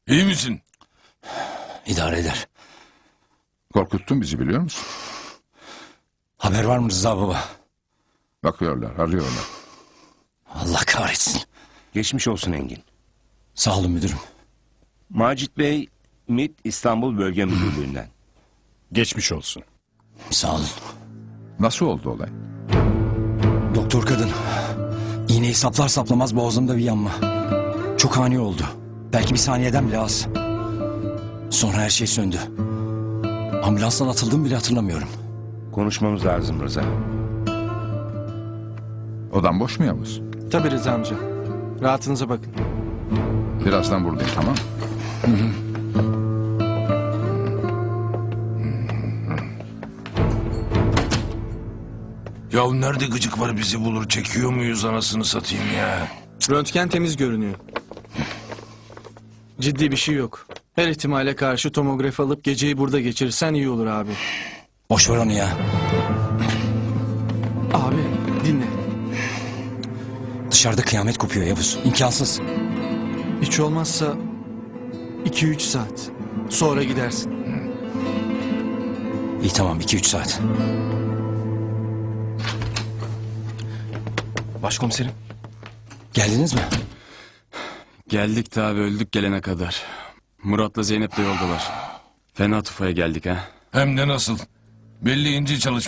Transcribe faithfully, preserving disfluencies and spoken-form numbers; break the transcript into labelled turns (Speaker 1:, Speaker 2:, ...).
Speaker 1: İyi misin?
Speaker 2: İdare eder.
Speaker 3: Korkuttun bizi, biliyor musun?
Speaker 2: Haber var mı Rıza baba?
Speaker 3: Bakıyorlar, arıyorlar.
Speaker 2: Allah kahretsin.
Speaker 4: Geçmiş olsun Engin.
Speaker 2: Sağ olun müdürüm.
Speaker 4: Macit Bey, M İ T İstanbul Bölge Müdürlüğü'nden.
Speaker 5: Geçmiş olsun.
Speaker 2: Sağ olun.
Speaker 3: Nasıl oldu olay?
Speaker 2: Doktor kadın. İğneyi saplar saplamaz boğazımda bir yanma. Çok ani oldu. Belki bir saniyeden bile az. Sonra her şey söndü. Ambulanstan atıldığımı bile hatırlamıyorum.
Speaker 4: Konuşmamız lazım Rıza.
Speaker 3: Odan boş mu Yavuz?
Speaker 6: Tabii Rıza amca. Rahatınıza bakın.
Speaker 3: Birazdan buradayım, tamam mı?
Speaker 1: Ya nerede gıcık var bizi bulur, çekiyor muyuz anasını satayım ya?
Speaker 6: Röntgen temiz görünüyor. Ciddi bir şey yok. Her ihtimale karşı tomografi alıp geceyi burada geçirirsen iyi olur abi.
Speaker 2: Boş ver onu ya.
Speaker 6: Abi dinle.
Speaker 2: Dışarıda kıyamet kopuyor Yavuz. İmkansız.
Speaker 6: Hiç olmazsa iki üç saat. Sonra gidersin.
Speaker 2: İyi tamam iki üç saat.
Speaker 7: Başkomiserim.
Speaker 2: Geldiniz mi?
Speaker 7: Geldik tabi, öldük gelene kadar. Murat'la Zeynep de yoldalar. Fena tufaya geldik ha.
Speaker 1: Hem de nasıl? Belli ince çalış.